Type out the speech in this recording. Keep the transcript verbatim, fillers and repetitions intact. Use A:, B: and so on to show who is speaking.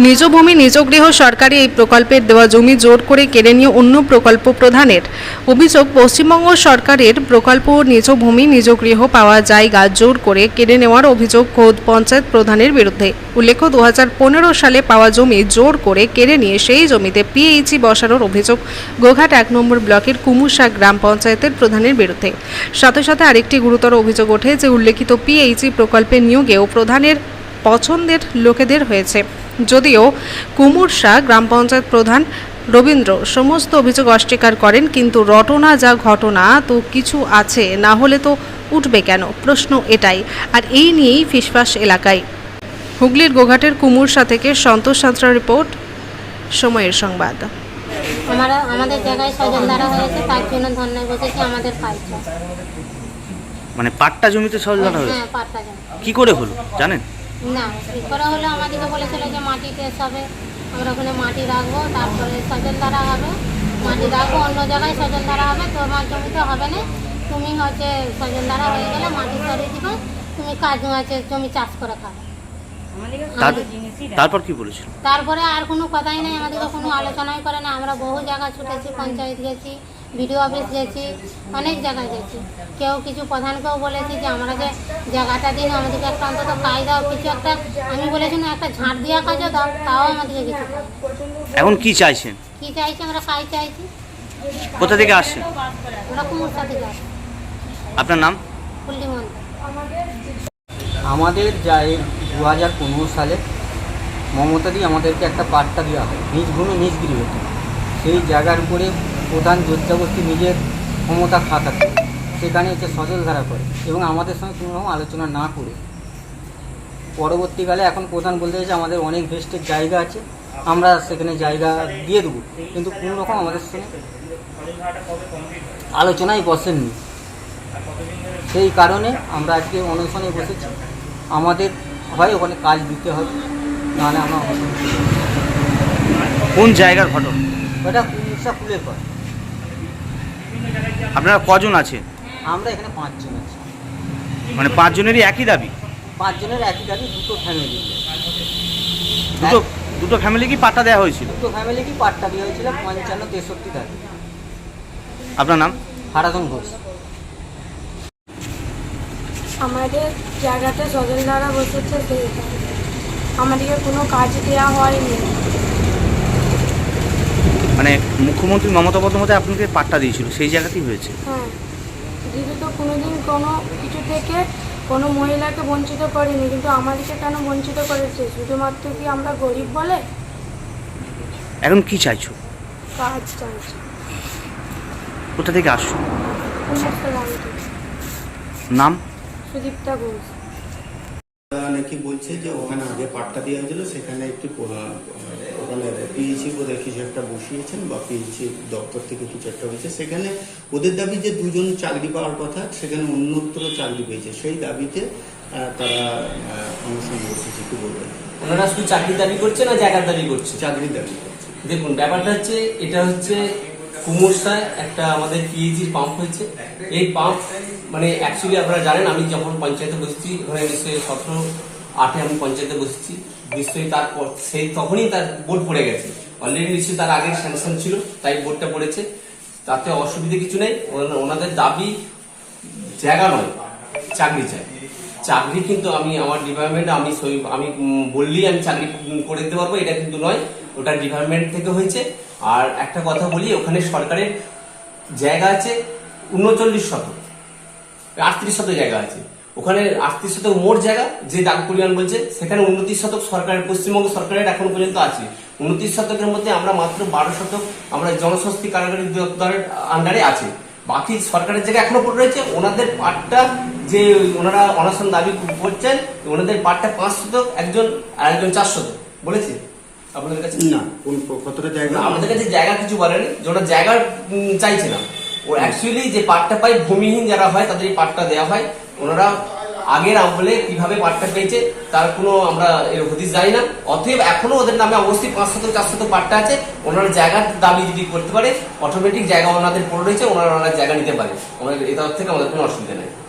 A: নিজ ভূমি নিজ গৃহ সরকারি এই প্রকল্পের দেওয়া জমি জোর করে কেড়ে নিয়ে অন্য প্রকল্প প্রধানের অভিযোগ। পশ্চিমবঙ্গ সরকারের প্রকল্প নিজ ভূমি নিজ গৃহ পাওয়া জায়গা জোর করে কেড়ে নেওয়ার অভিযোগ খোদ পঞ্চায়েত প্রধানের বিরুদ্ধে। উল্লেখ্য, দু হাজার পনেরো সালে পাওয়া জমি জোর করে কেড়ে নিয়ে সেই জমিতে পিএইচই বসানোর অভিযোগ গোঘাট এক নম্বর ব্লকের কুমুরশা গ্রাম পঞ্চায়েতের প্রধানের বিরুদ্ধে। সাথে সাথে আরেকটি গুরুতর অভিযোগ ওঠে যে উল্লেখিত পিএইচই প্রকল্পে নিয়োগেও প্রধানের পছন্দের লোকেদের হয়েছে। যদিও কুমুরশা গ্রাম পঞ্চায়েত প্রধান রবীন্দ্র সমস্ত অভিযোগ অস্বীকার করেন, কিন্তু রটনা যা ঘটনা তো কিছু আছে, না হলে তো উঠবে কেন, প্রশ্ন এটাই। আর এই নিয়েই ফিসফাস এলাকায়। হুগলির গোঘাটের কুমুরশা থেকে সন্তোষ সাঁতরা রিপোর্ট, সময়ের সংবাদ।
B: আমরা আমাদের জায়গায় সজলধারা হয়েছে, তার জন্য ধর্নায় বসেছি আমাদের পাইছে।
C: মানে পাট্টা জমিতে সজলধারা হয়েছে?
B: হ্যাঁ, পাট্টা জমি।
C: কি করে হলো জানেন?
B: না, ঠিক করা হলো। আমাদেরকে বলেছিল যে মাটি টেস্ট হবে, আমরা ওখানে মাটি রাখবো, তারপরে সজলধারা হবে, মাটি রাখবো, অন্য জায়গায় সজলধারা হবে, তোমার জমিতে হবে না। তুমি হচ্ছে সজলধারা হয়ে গেলে মাটি সরিয়ে দিবে, তুমি কাজ আছে জমি চাষ করে খাবে।
C: তারপর কি বলেছিল?
B: তারপরে আর কোনো কথাই নেই, আমাদেরকে কোনো আলোচনাই করে না। আমরা বহু জায়গা ছুটেছি, পঞ্চায়েত গেছি, বিডিও অফিস গেছি, অনেক জায়গায় গেছি। কেউ কিছু প্রধানকেও বলেছি যে আমরা যে জায়গাটা দিন আমাদেরকে একটা অন্তত কাজ দাও, কিছু একটা। আমি বলেছি না, একটা ঝাঁট দেওয়া কাজও দাও, তাও আমাদেরকে কিছু।
C: এখন কি চাইছেন?
B: কি চাইছি? আমরা কাজ চাইছি।
C: কোথা থেকে আসছেন?
B: আমরা কুমুরশা থেকে আসছি।
C: আপনার নাম?
B: পল্লী মন্দির।
D: আমাদের যা এই দু হাজার পনেরো সালে মমতা দিয়ে আমাদেরকে একটা পাট্টা দেওয়া হয়, নিজ ভূমি নিজ গৃহতে। সেই জায়গার উপরে প্রধান জোরজবস্তি নিজের ক্ষমতা খাটাতে সেখানে হচ্ছে সজলধারা করে এবং আমাদের সঙ্গে কোনো রকম আলোচনা না করে পরবর্তীকালে এখন প্রধান বলতে চাইছে আমাদের অনেক ভেস্টের জায়গা আছে, আমরা সেখানে জায়গা দিয়ে দেবো, কিন্তু কোনো রকম আমাদের সঙ্গে আলোচনায় বসেননি। সেই কারণে আমরা আজকে অনশনে বসেছি। আমাদের হয় ওখানে কাজ দিতে হবে, নাহলে আমরা
C: কোন জায়গার ঘটনা?
D: ওটা কুমুরশা ফুলের পর।
C: আপনারা কজন আছে?
D: আমরা এখানে পাঁচজন আছি।
C: মানে পাঁচজনেরই একই দাবি?
D: পাঁচজনের একই দাবি, দুটো ফ্যামিলি।
C: দুটো দুটো ফ্যামিলি কি পাট্টা দেওয়া হয়েছিল?
D: দুটো ফ্যামিলি কি পাট্টা দেওয়া হয়েছিল পঞ্চান্ন তেষট্টি দাবি।
C: আপনার নাম?
D: হারাধন ঘোষ।
E: আমাদের জায়গাতে সজলধারা বসেছে, সেই আমাদেরকে কোনো কাজ দেওয়া হয়নি।
C: মানে মুখ্যমন্ত্রী মমতা বন্দ্যোপাধ্যায় আপনাকে পাট্টা দিয়েছিল, সেই জায়গাতেই হয়েছে?
E: হ্যাঁ, দিদি তো কোনোদিন কোনো কিছু থেকে কোনো মহিলাকে বঞ্চিত করেনি, কিন্তু আমাদেরকে কেন বঞ্চিত করেছে? শুধুমাত্র কি আমরা গরিব বলে?
C: এখন কি চাইছো?
E: কাজ চাইছি।
C: কোথা থেকে আসছো?
E: কুমুরশা গ্রাম থেকে।
C: নাম?
E: সুদীপ্তা ঘোষ।
F: নাকি বলছে যে ওখানে আগে পাট্টা দেওয়া হয়েছিল, সেখানে একটি ওখানে পিএইচি বোধহয় কিছু একটা বসিয়েছেন বা পিএইচি দপ্তর থেকে কিছু একটা হয়েছে। সেখানে ওদের দাবি যে দুজন চাকরি পাওয়ার কথা, সেখানে অন্যত্র চাকরি পেয়েছে, সেই দাবিতে তারা অনশন বসেছে। কি বলবেন?
G: ওনারা শুধু চাকরির দাবি করছে না জায়গার দাবি করছে?
F: চাকরির দাবি করছে।
G: দেখুন, ব্যাপারটা হচ্ছে, এটা হচ্ছে কুমুরশায় একটা আমাদের পিএইচির পাম্প হয়েছে। এই পাম্প মানে অ্যাকচুয়ালি আপনারা জানেন, আমি যখন পঞ্চায়েতে বসেছি, ওখানে নিশ্চয়ই সতেরো আটে আমি পঞ্চায়েতে বসেছি, নিশ্চয়ই তারপর সেই তখনই তার বোর্ড পড়ে গেছে। অলরেডি নিশ্চয়ই তার আগের স্যাংশন ছিল, তাই বোর্ডটা পড়েছে, তাতে অসুবিধা কিছু নেই। ওনাদের দাবি জায়গা নয়, চাকরি চাই। চাকরি কিন্তু আমি আমার ডিপার্টমেন্ট আমি আমি বললেই আমি চাকরি করে দিতে পারবো, এটা কিন্তু নয়, ওটা ডিপার্টমেন্ট থেকে হয়েছে। আর একটা কথা বলি, ওখানে সরকারের জায়গা আছে উনচল্লিশ শতক, আটত্রিশ শতক জায়গা আছে। ওখানে আটত্রিশ শতক মোট জায়গা যে দাগ পরিমাণ বলছে, সেখানে উনত্রিশ শতক সরকারের, পশ্চিমবঙ্গ সরকারের এখন পর্যন্ত আছে। উনত্রিশ শতকের মধ্যে আমরা মাত্র বারো শতক আমরা জনস্বস্তি কারাগারি দপ্তরের আন্ডারে আছে। বাকি সরকারের জায়গা এখনো পড়ে রয়েছে। ওনাদের পাটটা যে ওনারা অনশন দাবি করছেন, ওনাদের পাটটা পাঁচ শতক, একজন আর একজন চার শতক বলেছে আপনাদের কাছে?
F: না, কোন কতটা জায়গা
G: আমাদের কাছে জায়গা কিছু বলেনি, যে ওরা জায়গা চাইছে না। ও অ্যাকচুয়ালি যে পাটটা পায়, ভূমিহীন যারা হয় তাদের এই পাটটা দেওয়া হয়। ওনারা আগের আমলে কিভাবে পাট্টা পেয়েছে তার কোনো আমরা এর হদিস জানি না। অতএব এখনো ওদের নামে অবশ্যই পাঁচ শতক চার শতক পাট্টা আছে। ওনারা জায়গার দাবি যদি করতে পারে, অটোমেটিক জায়গা ওনাদের পড়ে রয়েছে, ওনারা ওনার জায়গা নিতে পারে। আমাদের এই তরফ থেকে আমাদের কোনো অসুবিধা নেই।